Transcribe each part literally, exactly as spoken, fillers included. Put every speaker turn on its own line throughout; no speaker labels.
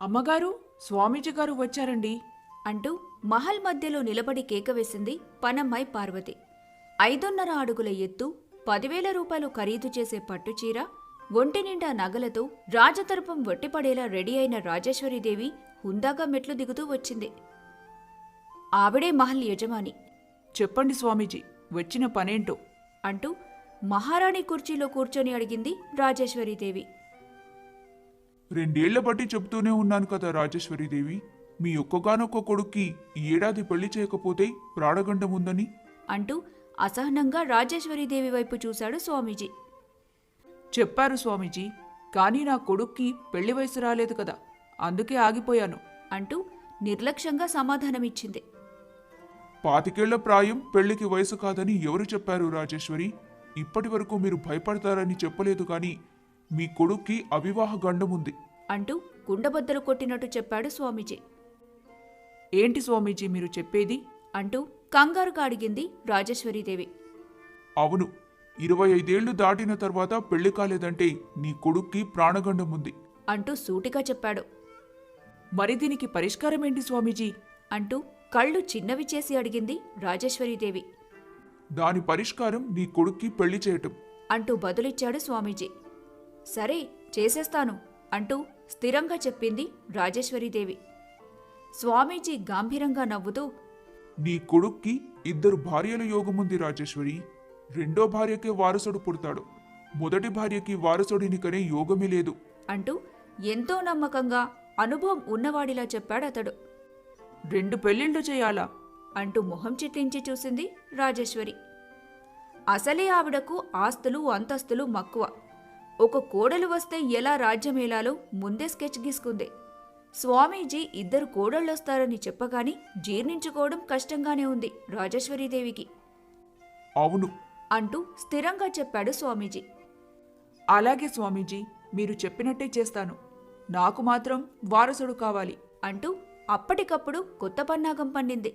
అమ్మగారు, స్వామీజీ గారు వచ్చారండి
అంటూ మహల్ మధ్యలో నిలబడి కేకవేసింది పనమ్మాయి పార్వతి. ఐదున్నర అడుగుల ఎత్తు, పదివేల రూపాయలు ఖరీదు చేసే పట్టుచీర, ఒంటి నిండా నగలతో రాజతర్పం వట్టిపడేలా రెడీ అయిన రాజేశ్వరీదేవి హుందాగా మెట్లు దిగుతూ వచ్చింది. ఆవిడే మహల్ యజమాని.
చెప్పండి స్వామీజీ, వచ్చిన పనేంటో
అంటూ మహారాణి కుర్చీలో కూర్చొని అడిగింది రాజేశ్వరీదేవి.
రెండేళ్ల బట్టి చెబుతూనే ఉన్నాను కదా రాజేశ్వరీదేవి, మీ ఒక్కగానొక్క కొడుక్కి ఈ ఏడాది పెళ్లి చేయకపోతే ప్రాణగండం ఉందని.
అంటూ అసహనంగా రాజేశ్వరీదేవి వైపు చూశాడు స్వామీజీ.
చెప్పారు స్వామీజీ, కానీ నా కొడుక్కి పెళ్లి వయసు రాలేదు కదా, అందుకే ఆగిపోయాను
అంటూ నిర్లక్ష్యంగా సమాధానమిచ్చింది.
పాతికేళ్ల ప్రాయం పెళ్లికి వయసు కాదని ఎవరు చెప్పారు రాజేశ్వరి? ఇప్పటి వరకు మీరు భయపడతారని చెప్పలేదు కానీ మీ కొడుక్కి అవివాహ గండముంది
అంటూ కుండబద్దలు కొట్టినట్టు చెప్పాడు స్వామీజీ.
ఏంటి స్వామీజీ మీరు చెప్పేది?
అంటూ కంగారుగా అడిగింది రాజేశ్వరీదేవి.
అవును, ఇరవై ఐదేళ్లు దాటిన తర్వాత పెళ్లి కాలేదంటే నీ కొడుక్కి ప్రాణగండముంది
అంటూ సూటిగా చెప్పాడు.
మరి దీనికి పరిష్కారం ఏంటి స్వామీజీ?
అంటూ కళ్ళు చిన్నవి చేసి అడిగింది రాజేశ్వరీదేవి.
దాని పరిష్కారం నీ కొడుక్కి పెళ్లి చేయటం
అంటూ బదులిచ్చాడు స్వామీజీ. సరే, చేసేస్తాను అంటూ స్థిరంగా చెప్పింది రాజేశ్వరీదేవి. స్వామీజీ గంభీరంగా నవ్వుతూ,
నీ కొడుక్కి ఇద్దరు భార్యల యోగముంది రాజేశ్వరి. రెండో భార్యకే వారసుడు పుడతాడు, మొదటి భార్యకి వారసుడిని కనే యోగమే లేదు
అంటూ ఎంతో నమ్మకంగా అనుభవం ఉన్నవాడిలా చెప్పాడతడు.
రెండు పెళ్లిళ్ళు చేయాలా?
అంటూ మొహం చిట్లించి చూసింది రాజేశ్వరి. అసలే ఆవిడకు ఆస్తులు అంతస్తులు మక్కువ. ఒక కోడలు వస్తే ఎలా రాజ్యమేలాలో ముందే స్కెచ్ గీసుకుంది. స్వామీజీ ఇద్దరు కోడళ్ళొస్తారని చెప్పగాని జీర్ణించుకోవడం కష్టంగానే ఉంది రాజేశ్వరీదేవికి.
అవును
అంటూ స్థిరంగా చెప్పాడు స్వామీజీ.
అలాగే స్వామీజీ, మీరు చెప్పినట్టే చేస్తాను. నాకు మాత్రం వారసుడు కావాలి
అంటూ అప్పటికప్పుడు కొత్త పన్నాగం పండింది.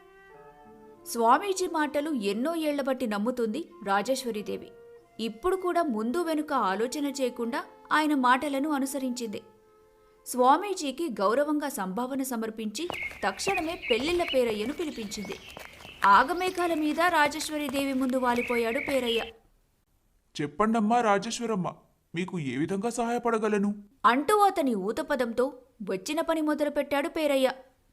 స్వామీజీ మాటలు ఎన్నో ఏళ్లబట్టి నమ్ముతుంది రాజేశ్వరీదేవి. ఇప్పుడు కూడా ముందు వెనుక ఆలోచన చేయకుండా ఆయన మాటలను అనుసరించింది. స్వామీజీకి గౌరవంగా సంభావన సమర్పించి తక్షణమే పెళ్లిళ్ల పేరయ్యను పిలిపించింది. ఆగమేఘాల మీద రాజేశ్వరీదేవి ముందు వాలిపోయాడు పేరయ్య.
చెప్పండమ్మా రాజేశ్వరమ్మ, మీకు ఏ విధంగా సహాయపడగలను
అంటూ అతని ఊతపదంతో వచ్చిన పని మొదలుపెట్టాడు పేరయ్య.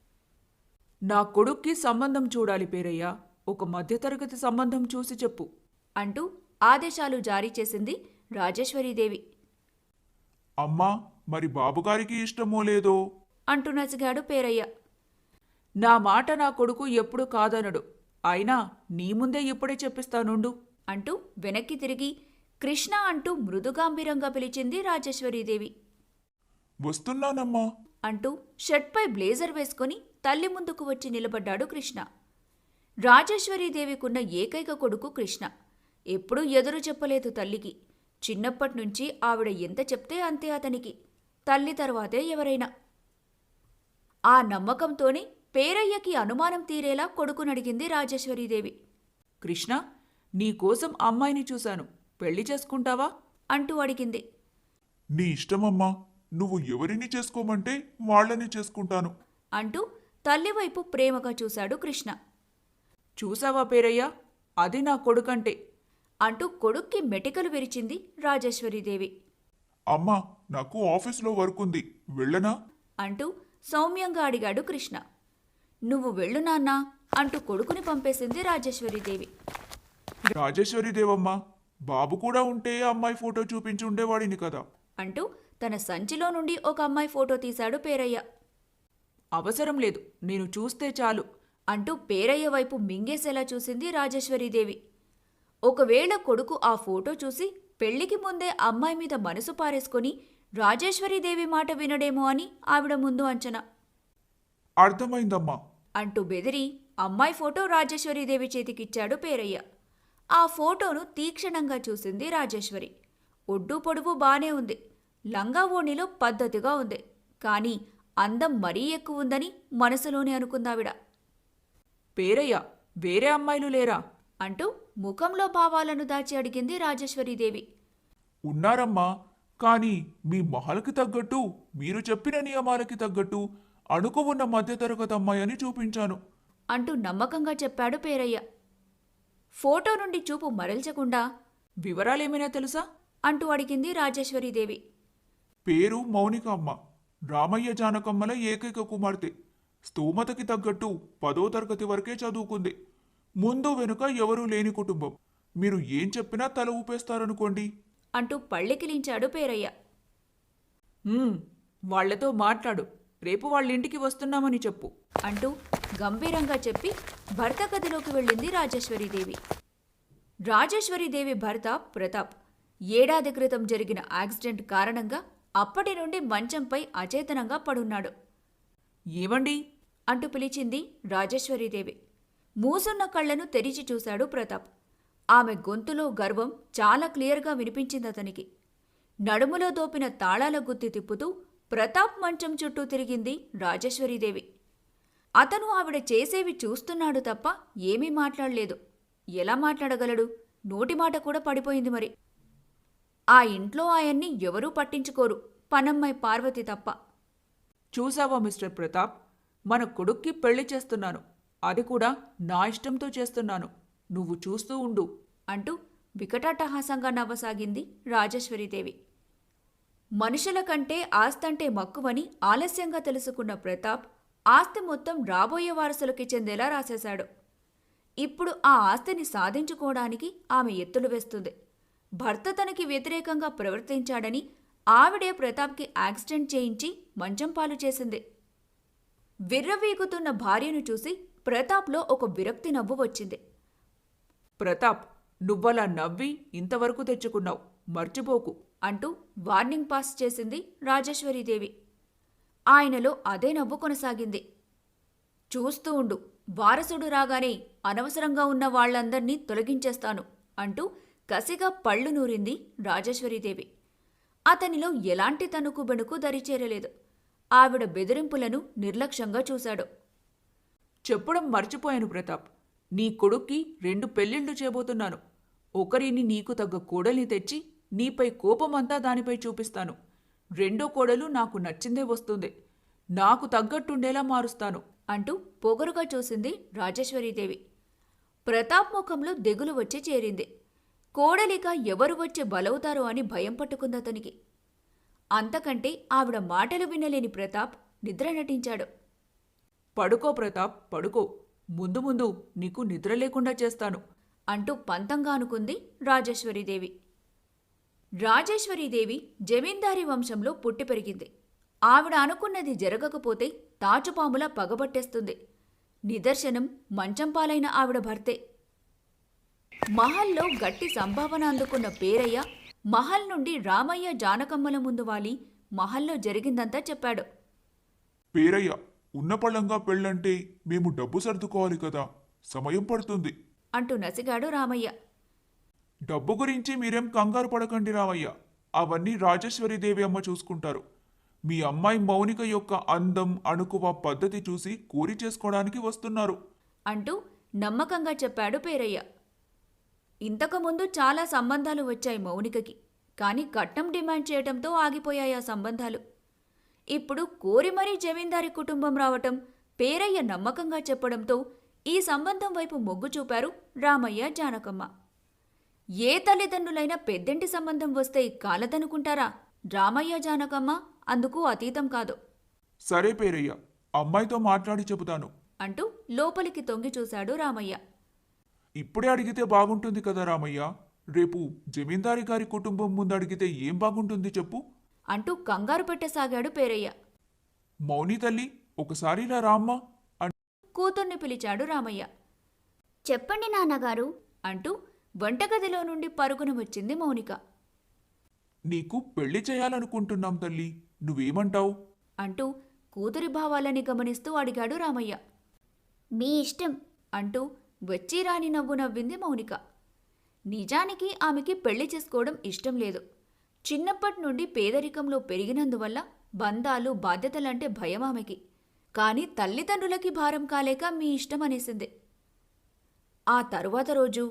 నా కొడుక్కి సంబంధం చూడాలి పేరయ్య. ఒక మధ్యతరగతి సంబంధం చూసి చెప్పు
అంటూ ఆదేశాలు జారీ చేసింది రాజేశ్వరీదేవి.
అమ్మా, మరి బాబుగారికి ఇష్టమో లేదో
అంటూ నసిగాడు పేరయ్య.
నా మాట నా కొడుకు ఎప్పుడు కాదనడు. అయినా నీ ముందే ఇప్పుడే చెప్పిస్తానుండు
అంటూ వెనక్కి తిరిగి కృష్ణ అంటూ మృదుగాంభీరంగా పిలిచింది రాజేశ్వరీదేవి.
వస్తున్నానమ్మా
అంటూ షర్ట్పై బ్లేజర్ వేసుకుని తల్లి ముందుకు వచ్చి నిలబడ్డాడు కృష్ణ. రాజేశ్వరీదేవికున్న ఏకైక కొడుకు కృష్ణ. ఎప్పుడూ ఎదురు చెప్పలేదు తల్లికి. చిన్నప్పట్నుంచి ఆవిడ ఎంత చెప్తే అంతే అతనికి. తల్లి తర్వాతే ఎవరైనా. ఆ నమ్మకంతోనే పేరయ్యకి అనుమానం తీరేలా కొడుకునడిగింది రాజేశ్వరీదేవి.
కృష్ణ, నీకోసం అమ్మాయిని చూశాను, పెళ్లి చేసుకుంటావా
అంటూ అడిగింది.
నీ ఇష్టమమ్మా, నువ్వు ఎవరిని చేసుకోమంటే వాళ్ళని చేసుకుంటాను
అంటూ తల్లివైపు ప్రేమగా చూశాడు కృష్ణ.
చూసావా పేరయ్య, అది నా కొడుకంటే
అంటూ కొడుక్కి మెటికలు విరిచింది రాజేశ్వరీదేవి.
అమ్మా, నాకు ఆఫీస్లో వర్క్ ఉంది, వెళ్ళనా
అంటూ సౌమ్యంగా అడిగాడు కృష్ణ. నువ్వు వెళ్ళు నాన్నా అంటూ కొడుకుని పంపేసింది రాజేశ్వరీదేవి.
రాజేశ్వరీదేవమ్మా, బాబు కూడా ఉంటే అమ్మాయి ఫోటో చూపించి ఉండేవాడిని కదా
అంటూ తన సంచిలో నుండి ఒక అమ్మాయి ఫోటో తీశాడు పేరయ్య.
అవసరం లేదు, నేను చూస్తే చాలు
అంటూ పేరయ్య వైపు మింగేసేలా చూసింది రాజేశ్వరీదేవి. ఒకవేళ కొడుకు ఆ ఫోటో చూసి పెళ్లికి ముందే అమ్మాయి మీద మనసు పారేసుకొని రాజేశ్వరీదేవి మాట వినడేమో అని ఆవిడ ముందు అంచనా.
అర్థమైందమ్మా
అంటూ బెదిరి అమ్మాయి ఫోటో రాజేశ్వరీదేవి చేతికిచ్చాడు పేరయ్య. ఆ ఫోటోను తీక్షణంగా చూసింది రాజేశ్వరి. ఒడ్డు పొడువు బానే ఉంది, లంగా ఓణిలో పద్ధతిగా ఉంది, కాని అందం మరీ ఎక్కువ ఉందని మనసులోనే అనుకుందావిడ.
పేరయ్య, వేరే అమ్మాయిలు లేరా
అంటూ ముఖంలో భావాలను దాచి అడిగింది రాజేశ్వరీదేవి.
ఉన్నారమ్మా, కానీ మీ మహల్కి తగ్గట్టు మీరు చెప్పిన నియమాలకి తగ్గట్టు అణుకు ఉన్న మధ్యతరగతి అమ్మాయి అని చూపించాను.
అంటూ నమ్మకంగా చెప్పాడు పేరయ్య. ఫోటో నుండి చూపు మరల్చకుండా
వివరాలేమైనా తెలుసా?
అంటూ అడిగింది రాజేశ్వరీదేవి.
పేరు మౌనిక అమ్మ. రామయ్య జానకమ్మల ఏకైక కుమార్తె. స్తోమతకి తగ్గట్టు పదో తరగతి వరకే చదువుకుంది. ముందు వెనుక ఎవరూ లేని కుటుంబం. మీరు ఏం చెప్పినా తల ఊపేస్తారనుకోండి.
అంటూ పళ్ళెకిలించాడు పేరయ్య.
"ఉమ్, వాళ్లతో మాట్లాడు. రేపు వాళ్ళింటికి వస్తున్నామని చెప్పు."
అంటూ గంభీరంగా చెప్పి భర్త గదిలోకి వెళ్ళింది రాజేశ్వరీదేవి. రాజేశ్వరీదేవి భర్త ప్రతాప్ ఏడాది క్రితం జరిగిన యాక్సిడెంట్ కారణంగా అప్పటి నుండి మంచంపై అచేతనంగా పడున్నాడు.
"ఏమండి?"
అంటూ పిలిచింది రాజేశ్వరీదేవి. మూసున్న కళ్లను తెరిచి చూశాడు ప్రతాప్. ఆమె గొంతులో గర్వం చాలా క్లియర్గా వినిపించిందతనికి. నడుములో దోపిన తాళాల గుత్తి తిప్పుతూ ప్రతాప్ మంచం చుట్టూ తిరిగింది రాజేశ్వరీదేవి. అతను ఆవిడ చేసేవి చూస్తున్నాడు తప్ప ఏమీ మాట్లాడలేదు. ఎలా మాట్లాడగలడు? నోటి మాట కూడా పడిపోయింది మరి. ఆ ఇంట్లో ఆయన్ని ఎవరూ పట్టించుకోరు, పనమ్మాయి పార్వతి తప్ప.
"చూసావా మిస్టర్ ప్రతాప్, మన కొడుక్కి పెళ్లి చేస్తున్నాను. అది కూడా నా ఇష్టంతో చేస్తున్నాను. నువ్వు చూస్తూ ఉండు."
అంటూ వికటాటహాసంగా నవ్వసాగింది రాజేశ్వరీదేవి. మనుషుల కంటే ఆస్తంటే మక్కువని ఆలస్యంగా తెలుసుకున్న ప్రతాప్ ఆస్తి మొత్తం రాబోయే వారసులకి చెందేలా రాసేశాడు. ఇప్పుడు ఆ ఆస్తిని సాధించుకోవడానికి ఆమె ఎత్తులు వేస్తుంది. భర్త తనకి వ్యతిరేకంగా ప్రవర్తించాడని ఆవిడే ప్రతాప్కి యాక్సిడెంట్ చేయించి మంచం పాలు చేసింది. విర్రవీగుతున్న భార్యను చూసి ప్రతాప్లో ఒక విరక్తి నవ్వు వచ్చింది.
"ప్రతాప్, నువ్వలా నవ్వి ఇంతవరకు తెచ్చుకున్నావు. మర్చిపోకు."
అంటూ వార్నింగ్ పాస్ చేసింది రాజేశ్వరీదేవి. ఆయనలో అదే నవ్వు కొనసాగింది. "చూస్తూ ఉండు, వారసుడు రాగానే అనవసరంగా ఉన్న వాళ్లందర్నీ తొలగించేస్తాను." అంటూ కసిగా పళ్ళు నూరింది రాజేశ్వరీదేవి. అతనిలో ఎలాంటి తణుకు బెణుకు దరిచేరలేదు. ఆవిడ బెదిరింపులను నిర్లక్ష్యంగా చూశాడు.
"చెప్పడం మర్చిపోయాను ప్రతాప్. నీ కొడుక్కి రెండు పెళ్ళిళ్ళు చేయబోతున్నాను. ఒకరిని నీకు తగ్గ కోడల్ని తెచ్చి నీపై కోపమంతా దానిపై చూపిస్తాను. రెండో కోడలు నాకు నచ్చిందే వస్తుంది. నాకు తగ్గట్టుండేలా మారుస్తాను."
అంటూ పొగరుగా చూసింది రాజేశ్వరీదేవి. ప్రతాప్ ముఖంలో దిగులు వచ్చి చేరింది. కోడలిక ఎవరు వచ్చి బలవుతారో అని భయం పట్టుకుందతనికి. అంతకంటే ఆవిడ మాటలు వినలేని ప్రతాప్ నిద్ర నటించాడు.
"పడుకో ప్రతాప్, పడుకో. ముందు ముందు నీకు నిద్ర లేకుండా చేస్తాను."
అంటూ పంతంగా అనుకుంది రాజేశ్వరీదేవి. రాజేశ్వరీదేవి జమీందారీ వంశంలో పుట్టి పెరిగింది. ఆవిడ అనుకున్నది జరగకపోతే తాచుపాములా పగబట్టేస్తుంది. నిదర్శనం మంచం పాలైన ఆవిడ భర్తే. మహల్లో గట్టి సంభావన అందుకున్న పేరయ్య మహల్ నుండి రామయ్య జానకమ్మల ముందు వాలి మహల్లో జరిగిందంతా చెప్పాడు.
పేరయ్య, ఉన్నపళంగా పెళ్ళంటే మేము డబ్బు సర్దుకోవాలి కదా, సమయం పడుతుంది.
అంటూ నసిగాడు రామయ్య.
డబ్బు గురించి మీరేం కంగారు పడకండి రామయ్య. అవన్నీ రాజేశ్వరీదేవి అమ్మ చూసుకుంటారు. మీ అమ్మాయి మౌనిక యొక్క అందం, అణుకువ, పద్ధతి చూసి కూరి చేసుకోవడానికి వస్తున్నారు.
అంటూ నమ్మకంగా చెప్పాడు పేరయ్య. ఇంతకుముందు చాలా సంబంధాలు వచ్చాయి మౌనికకి. కాని కట్నం డిమాండ్ చేయటంతో ఆగిపోయాయి ఆ సంబంధాలు. ఇప్పుడు కోరి మరీ జమీందారీ కుటుంబం రావటం, పేరయ్య నమ్మకంగా చెప్పడంతో ఈ సంబంధం వైపు మొగ్గు చూపారు రామయ్య జానకమ్మ. ఏ తల్లిదండ్రులైనా పెద్దింటి సంబంధం వస్తే కాలదనుకుంటారా? రామయ్య జానకమ్మ అందుకు అతీతం కాదు.
సరే పేరయ్య, అమ్మాయితో మాట్లాడి చెబుతాను.
అంటూ లోపలికి తొంగి చూశాడు రామయ్య.
ఇప్పుడే అడిగితే బాగుంటుంది కదా రామయ్య. రేపు జమీందారి గారి కుటుంబం ముందు అడిగితే ఏం బాగుంటుంది చెప్పు?
అంటూ కంగారు పెట్టసాగాడు పేరయ్య.
మౌని తల్లి, ఒకసారి ఇలా రామ్మా
కూతుర్ని పిలిచాడు రామయ్య.
చెప్పండి నాన్నగారు.
అంటూ వంటగదిలో నుండి పరుగున వచ్చింది మౌనిక.
నీకు పెళ్లి చేయాలనుకుంటున్నాం తల్లి, నువ్వేమంటావు?
అంటూ కూతురి భావాలని గమనిస్తూ అడిగాడు రామయ్య.
మీ ఇష్టం.
అంటూ వచ్చిరాని నవ్వు నవ్వింది మౌనిక. నిజానికి ఆమెకి పెళ్లి చేసుకోవడం ఇష్టం లేదు. చిన్నప్పటి నుండి పేదరికంలో పెరిగినందువల్ల బంధాలు, బాధ్యతలంటే భయం ఆమెకి. కాని తల్లిదండ్రులకి భారం కాలేక మీ ఇష్టం అనేసింది. ఆ తరువాత రోజు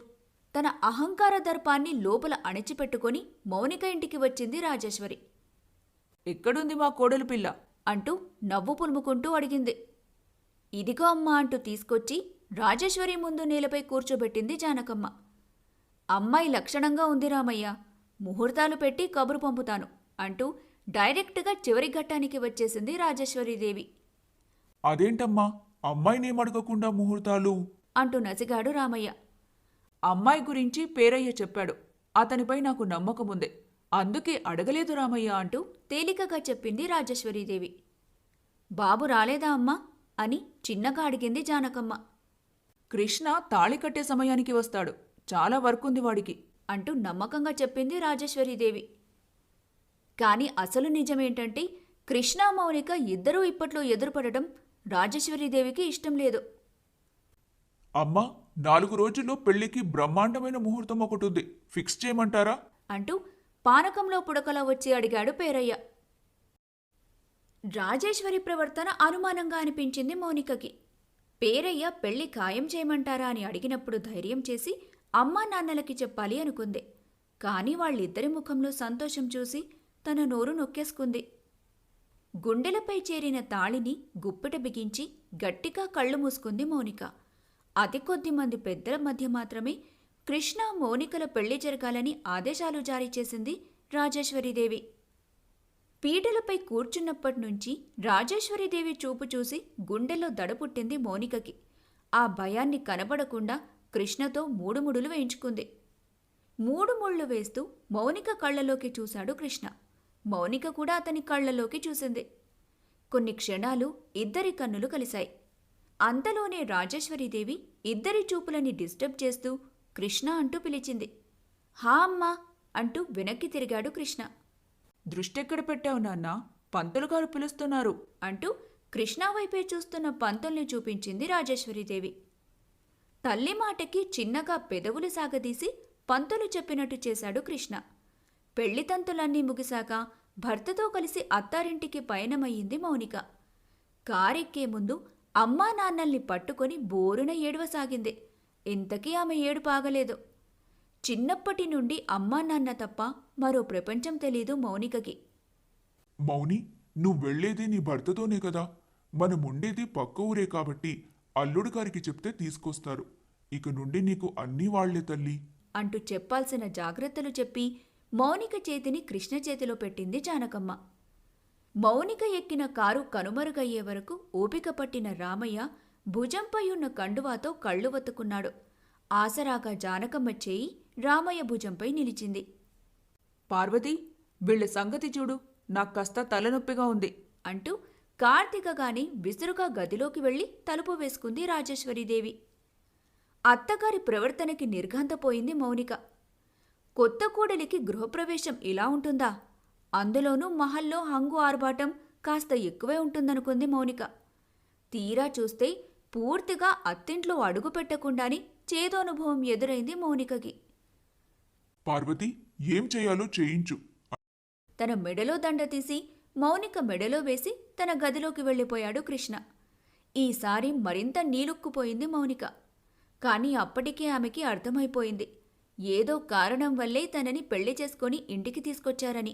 తన అహంకార దర్పాన్ని లోపల అణిచిపెట్టుకొని మౌనిక ఇంటికి వచ్చింది రాజేశ్వరి.
ఎక్కడుంది మా కోడలు పిల్ల
అంటూ నవ్వు పులుముకుంటూ అడిగింది. ఇదిగో అమ్మా అంటూ తీసుకొచ్చి రాజేశ్వరి ముందు నేలపై కూర్చోబెట్టింది జానకమ్మ. అమ్మాయి లక్షణంగా ఉంది రామయ్య, ముహూర్తాలు పెట్టి కబురు పంపుతాను అంటూ డైరెక్ట్గా చివరి ఘట్టానికి వచ్చేసింది రాజేశ్వరీదేవి.
అదేంటమ్మా అమ్మాయినేం అడగకుండా ముహూర్తాలు
అంటూ నసిగాడు రామయ్య.
అమ్మాయి గురించి పేరయ్య చెప్పాడు. అతనిపై నాకు నమ్మకముందే, అందుకే అడగలేదు రామయ్య అంటూ
తేలికగా చెప్పింది రాజేశ్వరీదేవి. బాబు రాలేదా అమ్మా అని చిన్నగా అడిగింది జానకమ్మ.
కృష్ణ తాళి కట్టే సమయానికి వస్తాడు, చాలా వర్కుంది వాడికి
అంటూ నమ్మకంగా చెప్పింది రాజేశ్వరీదేవి. కాని అసలు నిజమేంటంటే కృష్ణ మౌనిక ఇద్దరూ ఇప్పట్లో ఎదురుపడటం రాజేశ్వరీదేవికి ఇష్టం లేదు.
అమ్మా నాలుగు రోజుల్లో పెళ్లికి బ్రహ్మాండమైన ముహూర్తం ఒకటుంది, ఫిక్స్ చేయమంటారా
అంటూ పానకంలో పుడకలా వచ్చి అడిగాడు పేరయ్య. రాజేశ్వరి ప్రవర్తన అనుమానంగా అనిపించింది మౌనికకి. పేరయ్య పెళ్లి ఖాయం చేయమంటారా అని అడిగినప్పుడు ధైర్యం చేసి అమ్మా నాన్నలకి చెప్పాలి అనుకుంది. కాని వాళ్ళిద్దరి ముఖంలో సంతోషం చూసి తన నోరు నొక్కేసుకుంది. గుండెలపై చేరిన తాళిని గుప్పిట బిగించి గట్టిగా కళ్ళు మూసుకుంది మౌనిక. అతి కొద్ది మంది పెద్దల మధ్య మాత్రమే కృష్ణ మౌనికల పెళ్లి జరగాలని ఆదేశాలు జారీ చేసింది రాజేశ్వరీదేవి. పీటలపై కూర్చున్నప్పటినుంచి రాజేశ్వరీదేవి చూపు చూసి గుండెల్లో దడపుట్టింది మౌనికకి. ఆ భయాన్ని కనబడకుండా కృష్ణతో మూడు ముడులు వేయించుకుంది. మూడు ముళ్ళు వేస్తూ మౌనిక కళ్లలోకి చూశాడు కృష్ణ. మౌనిక కూడా అతని కళ్లలోకి చూసింది. కొన్ని క్షణాలు ఇద్దరి కన్నులు కలిశాయి. అంతలోనే రాజేశ్వరీదేవి ఇద్దరి చూపులని డిస్టర్బ్ చేస్తూ కృష్ణ అంటూ పిలిచింది. హా అమ్మా అంటూ వెనక్కి తిరిగాడు కృష్ణ.
దృష్టెక్కడ పెట్టావు నాన్నా, పంతులు గారు పిలుస్తున్నారు
అంటూ కృష్ణ వైపే చూస్తున్న పంతుల్ని చూపించింది రాజేశ్వరీదేవి. తల్లి మాటకి చిన్నగా పెదవులు సాగదీసి పంతులు చెప్పినట్టు చేశాడు కృష్ణ. పెళ్లితంతులన్నీ ముగిశాక భర్తతో కలిసి అత్తారింటికి పయనమయ్యింది మౌనిక. కారెక్కే ముందు అమ్మా నాన్నల్ని పట్టుకొని బోరున ఏడవసాగింది. ఇంతకీ ఆమె ఏడుపు ఆగలేదు. చిన్నప్పటి నుండి అమ్మా నాన్న తప్ప మరో ప్రపంచం తెలీదు మౌనికకి.
మౌని నువ్వు వెళ్లేది నీ భర్తతోనే కదా, మనముండేది పక్క ఊరే కాబట్టి అల్లుడు గారికి చెప్తే తీసుకొస్తారు. ఇక నుండి నీకు అన్నీ వాళ్లే తల్లి
అంటూ చెప్పాల్సిన జాగ్రత్తలు చెప్పి మౌనిక చేతిని కృష్ణ చేతిలో పెట్టింది జానకమ్మ. మౌనిక ఎక్కిన కారు కనుమరుగయ్యే వరకు ఓపిక పట్టిన రామయ్య భుజంపై ఉన్న కండువాతో కళ్ళు వత్తుకున్నాడు. ఆసరాగా జానకమ్మ చేయి రామయ్య భుజంపై నిలిచింది.
పార్వతి, వీళ్ళ సంగతి చూడు, నాకు కాస్త తలనొప్పిగా ఉంది
అంటూ కార్తీకగాని విసురుగా గదిలోకి వెళ్లి తలుపు వేసుకుంది రాజేశ్వరీదేవి. అత్తగారి ప్రవర్తనకి నిర్ఘాంతపోయింది మౌనిక. కొత్త కూడలికి గృహప్రవేశం ఇలా ఉంటుందా? అందులోనూ మహల్లో హంగు ఆర్భాటం కాస్త ఎక్కువే ఉంటుందనుకుంది మౌనిక. తీరా చూస్తే పూర్తిగా అత్తింట్లో అడుగు పెట్టకుండానే చేదోనుభవం ఎదురైంది మౌనికకి.
పార్వతి ఏం చేయాలో చేయించు.
తన మెడలో దండ తీసి మౌనిక మెడలో వేసి తన గదిలోకి వెళ్ళిపోయాడు కృష్ణ. ఈసారి మరింత నీలుక్కుపోయింది మౌనిక. కాని అప్పటికే ఆమెకి అర్థమైపోయింది, ఏదో కారణం వల్లే తనని పెళ్లి చేసుకొని ఇంటికి తీసుకొచ్చారని.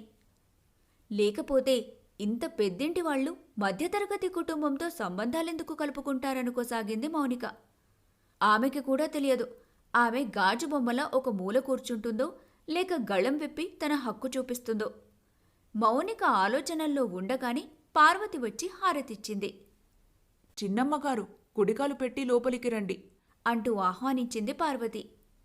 లేకపోతే ఇంత పెద్దింటి వాళ్లు మధ్యతరగతి కుటుంబంతో సంబంధాలెందుకు కలుపుకుంటారనుకోసాగింది మౌనిక. ఆమెకి కూడా తెలియదు ఆమె గాజు బొమ్మలా ఒక మూల కూర్చుంటుందో లేక గళం విప్పి తన హక్కు చూపిస్తుందో. మౌనిక ఆలోచనల్లో ఉండగానే పార్వతి వచ్చి హారతిచ్చింది.
చిన్నమ్మగారు, కుడికాలు పెట్టి లోపలికి రండి
అంటూ ఆహ్వానించింది పార్వతి.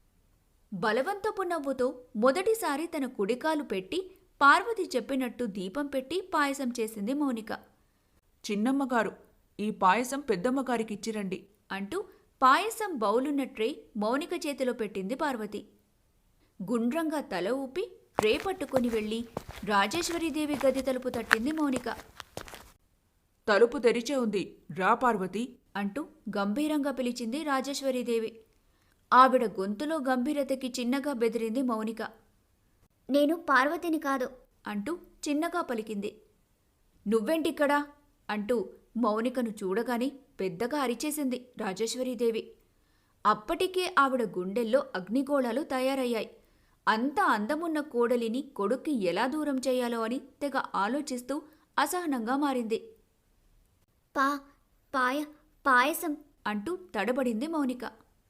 బలవంతపు నవ్వుతో మొదటిసారి తన కుడికాలు పెట్టి పార్వతి చెప్పినట్టు దీపం పెట్టి పాయసం చేసింది మౌనిక.
చిన్నమ్మగారు, ఈ పాయసం పెద్దమ్మగారికిచ్చిరండి
అంటూ పాయసం బౌలున్న ట్రే మౌనిక చేతిలో పెట్టింది పార్వతి. గుండ్రంగా తల ఊపి ట్రే పట్టుకుని వెళ్ళి రాజేశ్వరీదేవి గది తలుపు తట్టింది మౌనిక.
తలుపు తెరిచే ఉంది, రా పార్వతి
అంటూ గంభీరంగా పిలిచింది రాజేశ్వరీదేవి. ఆవిడ గొంతులో గంభీరతకి చిన్నగా బెదిరింది మౌనిక.
నేను పార్వతిని కాదు
అంటూ చిన్నగా పలికింది. నువ్వేంటిక్కడా అంటూ మౌనికను చూడగానే పెద్దగా అరిచేసింది రాజేశ్వరీదేవి. అప్పటికే ఆవిడ గుండెల్లో అగ్నిగోళాలు తయారయ్యాయి. అంత అందమున్న కోడలిని కొడుక్కి ఎలా దూరం చేయాలో అని తెగ ఆలోచిస్తూ అసహనంగా మారింది.
పా పాయ పాయసం
అంటూ తడబడింది మౌనిక.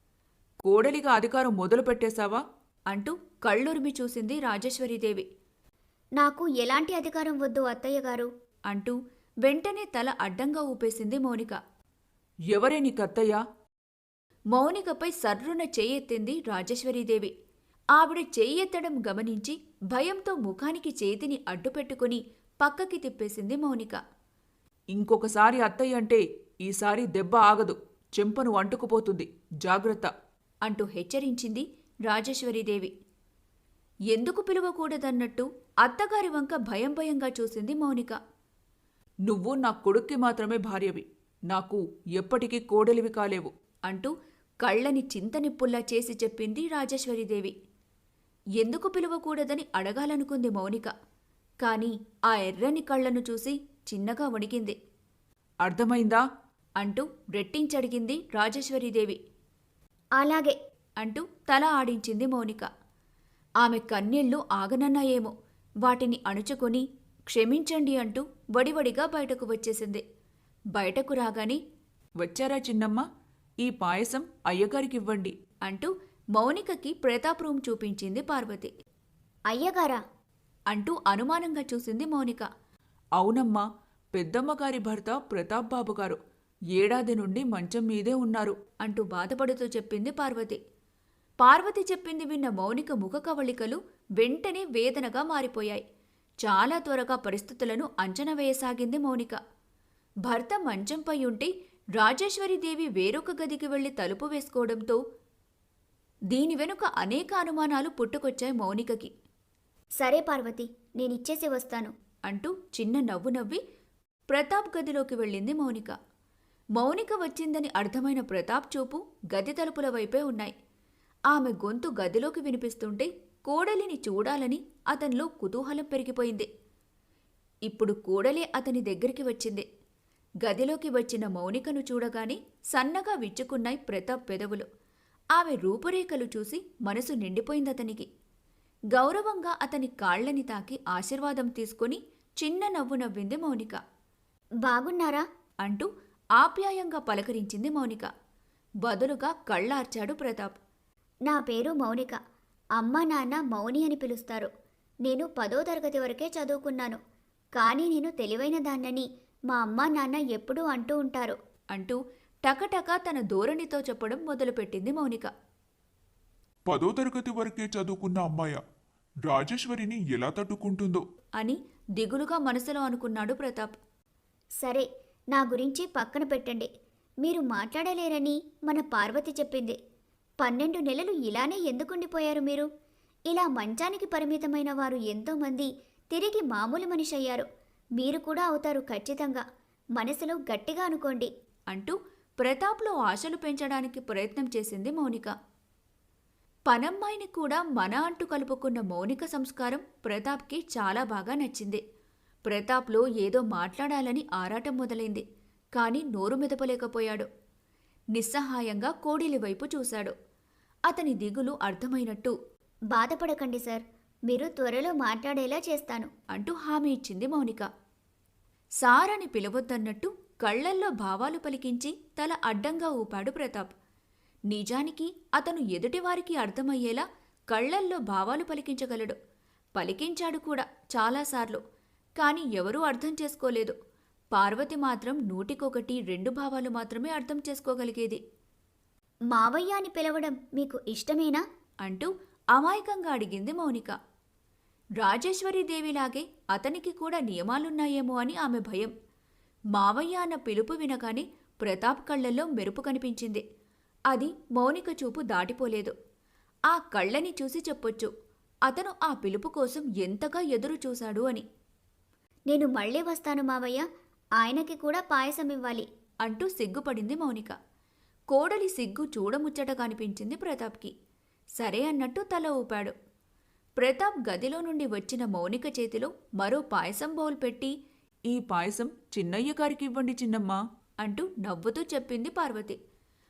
కోడలిగా అధికారం మొదలు పెట్టేశావా?
అంటూ కళ్ళురిమి చూసింది రాజేశ్వరీదేవి.
నాకు ఎలాంటి అధికారం వద్దు అత్తయ్య గారు.
అంటూ వెంటనే తల అడ్డంగా ఊపేసింది మౌనిక.
ఎవరే నీ కత్తయ్య?
మౌనికపై సర్రున చెయ్యెత్తింది రాజేశ్వరీదేవి. ఆవిడ చెయ్యెత్తడం గమనించి భయంతో ముఖానికి చేతిని అడ్డుపెట్టుకుని పక్కకి తిప్పేసింది మౌనిక.
ఇంకొకసారి అత్తయ్య అంటే ఈసారి దెబ్బ ఆగదు, చెంపను అంటుకుపోతుంది, జాగ్రత్త
అంటూ హెచ్చరించింది రాజేశ్వరీదేవి. ఎందుకు పిలవకూడదన్నట్టు అత్తగారి వంక భయం భయంగా చూసింది మౌనిక.
నువ్వు నా కొడుక్కి మాత్రమే భార్యవి, నాకు ఎప్పటికీ కోడలివి కాలేవు
అంటూ కళ్ళని చింతనిప్పుల్లా చేసి చెప్పింది రాజేశ్వరీదేవి. ఎందుకు పిలవకూడదని అడగాలనుకుంది మౌనిక. కాని ఆ ఎర్రని కళ్లను చూసి చిన్నగా వణికింది.
అర్థమైందా?
అంటూ రెట్టించడిగింది రాజేశ్వరీదేవి.
అలాగే
అంటూ తల ఆడించింది మౌనిక. ఆమె కన్నీళ్లు ఆగనన్నాయేమో, వాటిని అణుచుకొని క్షమించండి అంటూ వడివడిగా బయటకు వచ్చేసింది. బయటకు రాగానే
వచ్చారా చిన్నమ్మ, ఈ పాయసం అయ్యగారికివ్వండి
అంటూ మౌనికకి ప్రతాప్ రూమ్ చూపించింది పార్వతి.
అయ్యగారా?
అంటూ అనుమానంగా చూసింది మౌనిక.
అవునమ్మా, పెద్దమ్మగారి భర్త ప్రతాప్ బాబు గారు ఏడాది నుండి మంచం మీదే ఉన్నారు
అంటూ బాధపడుతూ చెప్పింది పార్వతి. పార్వతి చెప్పింది విన్న మౌనిక ముఖ కవళికలు వెంటనే వేదనగా మారిపోయాయి. చాలా త్వరగా పరిస్థితులను అంచనా వేయసాగింది మౌనిక. భర్త మంచంపై ఉంటే రాజేశ్వరీదేవి వేరొక గదికి వెళ్లి తలుపు వేసుకోవడంతో దీని వెనుక అనేక అనుమానాలు పుట్టుకొచ్చాయి మౌనికకి.
సరే పార్వతి, నేనిచ్చేసి వస్తాను
అంటూ చిన్న నవ్వు నవ్వి ప్రతాప్ గదిలోకి వెళ్ళింది మౌనిక. మౌనిక వచ్చిందని అర్థమైన ప్రతాప్ చూపు గది తలుపుల వైపే ఉన్నాయి. ఆమె గొంతు గదిలోకి వినిపిస్తుంటే కోడలిని చూడాలని అతనిలో కుతూహలం పెరిగిపోయింది. ఇప్పుడు కోడలే అతని దగ్గరికి వచ్చింది. గదిలోకి వచ్చిన మౌనికను చూడగానే సన్నగా విచ్చుకున్నాయి ప్రతాప్ పెదవులు. ఆమె రూపురేఖలు చూసి మనసు నిండిపోయిందతనికి. గౌరవంగా అతని కాళ్లని తాకి ఆశీర్వాదం తీసుకుని చిన్న నవ్వు నవ్వింది మౌనిక.
బాగున్నారా
అంటూ ఆప్యాయంగా పలకరించింది మౌనిక. బదులుగా కళ్ళార్చాడు ప్రతాప్.
నా పేరు మౌనిక. అమ్మ నాన్న మౌని అని పిలుస్తారు. నేను పదో తరగతి వరకే చదువుకున్నాను. కానీ నేను తెలివైన దాన్నని మా అమ్మ నాన్న ఎప్పుడూ అంటూ ఉంటారు
అంటూ టకటక తన ధోరణితో చెప్పడం మొదలుపెట్టింది మౌనిక.
పదో తరగతి వరకే చదువుకున్న అమ్మాయ రాజేశ్వరిని ఎలా తట్టుకుంటుందో
అని దిగులుగా మనసులో అనుకున్నాడు ప్రతాప్.
సరే, నా గురించి పక్కన పెట్టండి. మీరు మాట్లాడలేరని మన పార్వతి చెప్పింది. పన్నెండు నెలలు ఇలానే ఎందుకుండిపోయారు మీరు? ఇలా మంచానికి పరిమితమైన వారు ఎంతోమంది తిరిగి మామూలు మనిషి అయ్యారు. మీరు కూడా అవుతారు ఖచ్చితంగా. మనసులో గట్టిగా అనుకోండి
అంటూ ప్రతాప్లో ఆశలు పెంచడానికి ప్రయత్నం చేసింది మౌనిక. పనమ్మాయిని కూడా మన అంటూ కలుపుకున్న మౌనిక సంస్కారం ప్రతాప్కి చాలా బాగా నచ్చింది. ప్రతాప్లో ఏదో మాట్లాడాలని ఆరాటం మొదలైంది. కాని నోరు మెదపలేకపోయాడు. నిస్సహాయంగా కోడిలి వైపు చూశాడు. అతని దిగులు అర్థమైనట్టు
బాధపడకండి సార్, మీరు త్వరలో మాట్లాడేలా చేస్తాను
అంటూ హామీ ఇచ్చింది మౌనిక. సారని పిలవద్దన్నట్టు కళ్లల్లో భావాలు పలికించి తల అడ్డంగా ఊపాడు ప్రతాప్. నిజానికి అతను ఎదుటివారికి అర్థమయ్యేలా కళ్లల్లో భావాలు పలికించగలడు. పలికించాడు కూడా చాలాసార్లు. కాని ఎవరూ అర్థం చేసుకోలేదు. పార్వతి మాత్రం నూటికొకటి రెండు భావాలు మాత్రమే అర్థం చేసుకోగలిగేది.
మావయ్య అని పిలవడం మీకు ఇష్టమేనా
అంటూ అమాయకంగా అడిగింది మౌనిక. రాజేశ్వరీదేవిలాగే అతనికి కూడా నియమాలున్నాయేమో అని ఆమె భయం. మావయ్య అన్న పిలుపు వినగానే ప్రతాప్ కళ్లల్లో మెరుపు కనిపించింది. అది మౌనిక చూపు దాటిపోలేదు. ఆ కళ్ళని చూసి చెప్పొచ్చు అతను ఆ పిలుపు కోసం ఎంతగా ఎదురు చూశాడు అని.
నేను మళ్ళీ వస్తాను మావయ్య, ఆయనకి కూడా పాయసం ఇవ్వాలి
అంటూ సిగ్గుపడింది మౌనిక. కోడలి సిగ్గు చూడముచ్చటగా అనిపించింది ప్రతాప్కి. సరే అన్నట్టు తల ఊపాడు. ప్రతాప్ గదిలో నుండి వచ్చిన మౌనిక చేతిలో మరో పాయసం బౌల్ పెట్టి,
ఈ పాయసం చిన్నయ్య గారికి ఇవ్వండి చిన్నమ్మా
అంటూ నవ్వుతూ చెప్పింది పార్వతి.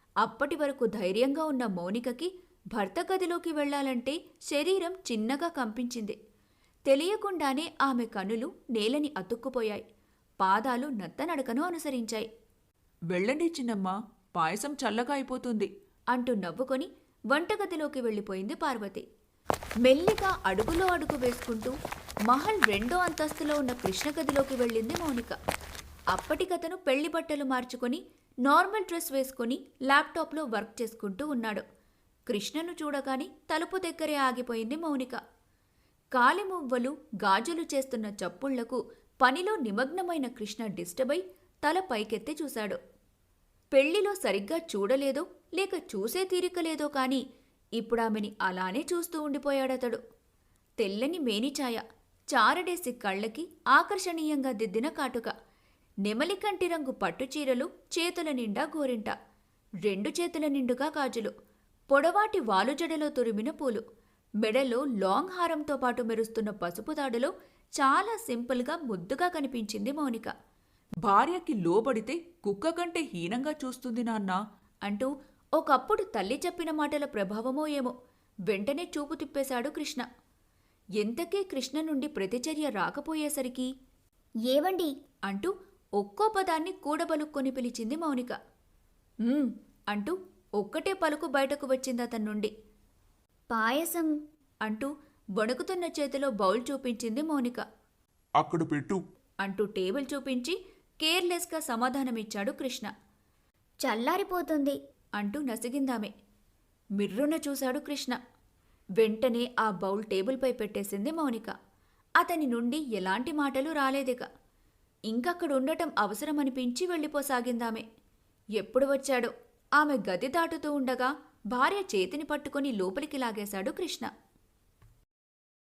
అప్పటి వరకు ధైర్యంగా ఉన్న మౌనికకి భర్త గదిలోకి వెళ్ళాలంటే శరీరం చిన్నగా కంపించింది. తెలియకుండానే ఆమె కనులు నేలని అతుక్కుపోయాయి. పాదాలు నత్తనడకను అనుసరించాయి.
వెళ్ళండి చిన్నమ్మా, పాయసం చల్లగా అయిపోతుంది
అంటూ నవ్వుకొని వంటగదిలోకి వెళ్ళిపోయింది పార్వతి. మెల్లిగా అడుగులో అడుగు వేసుకుంటూ మహల్ రెండో అంతస్తులో ఉన్న కృష్ణ గదిలోకి వెళ్ళింది మౌనిక. అప్పటికతను పెళ్లి బట్టలు మార్చుకొని నార్మల్ డ్రెస్ వేసుకొని ల్యాప్టాప్లో వర్క్ చేసుకుంటూ ఉన్నాడు. కృష్ణను చూడగాని తలుపు దగ్గరే ఆగిపోయింది మౌనిక. కాలిమువ్వలు గాజులు చేస్తున్న చప్పుళ్లకు పనిలో నిమగ్నమైన కృష్ణ డిస్టర్బ్ అయి తల పైకెత్తి చూశాడు. పెళ్లిలో సరిగ్గా చూడలేదో లేక చూసే తీరికలేదో కాని ఇప్పుడామెని అలానే చూస్తూ ఉండిపోయాడతడు. తెల్లని మేనిఛాయ, చారడేసి కళ్ళకి ఆకర్షణీయంగా దిద్దిన కాటుక, నెమలికంటి రంగు పట్టుచీరలు, చేతుల నిండా గోరింట, రెండు చేతుల నిండుగా గాజులు, పొడవాటి వాలుజడలో తురిమిన పూలు, మెడలో లాంగ్ హారంతో పాటు మెరుస్తున్న పసుపు తాడులో చాలా సింపుల్గా ముద్దుగా కనిపించింది మౌనిక.
భార్యకి లోబడితే కుక్క కంటే హీనంగా చూస్తుంది నాన్నా
అంటూ ఒకప్పుడు తల్లి చెప్పిన మాటల ప్రభావమో ఏమో వెంటనే చూపు తిప్పేశాడు కృష్ణ. ఎంతకీ కృష్ణ నుండి ప్రతిచర్య రాకపోయేసరికి
ఏవండి
అంటూ ఒక్కో పదాన్ని కూడబలుక్కొని పిలిచింది మౌనిక. "ఉమ్" అంటూ ఒక్కటే పలుకు బయటకు వచ్చింది అతని నుండి.
పాయసం
అంటూ వణుకుతున్న చేతిలో బౌల్ చూపించింది మౌనిక.
అక్కడ పెట్టు.
అంటూ టేబుల్ చూపించి కేర్లెస్గా సమాధానమిచ్చాడు కృష్ణ.
చల్లారిపోతుంది
అంటూ నసిగిందామె. మిర్రున చూశాడు కృష్ణ. వెంటనే ఆ బౌల్ టేబుల్పై పెట్టేసింది మౌనిక. అతని నుండి ఎలాంటి మాటలు రాలేదిక. ఇంకక్కడుండటం అవసరమనిపించి వెళ్ళిపోసాగిందామె. ఎప్పుడు వచ్చాడో ఆమె గది దాటుతూ ఉండగా భార్య చేతిని పట్టుకుని లోపలికి లాగేశాడు కృష్ణ.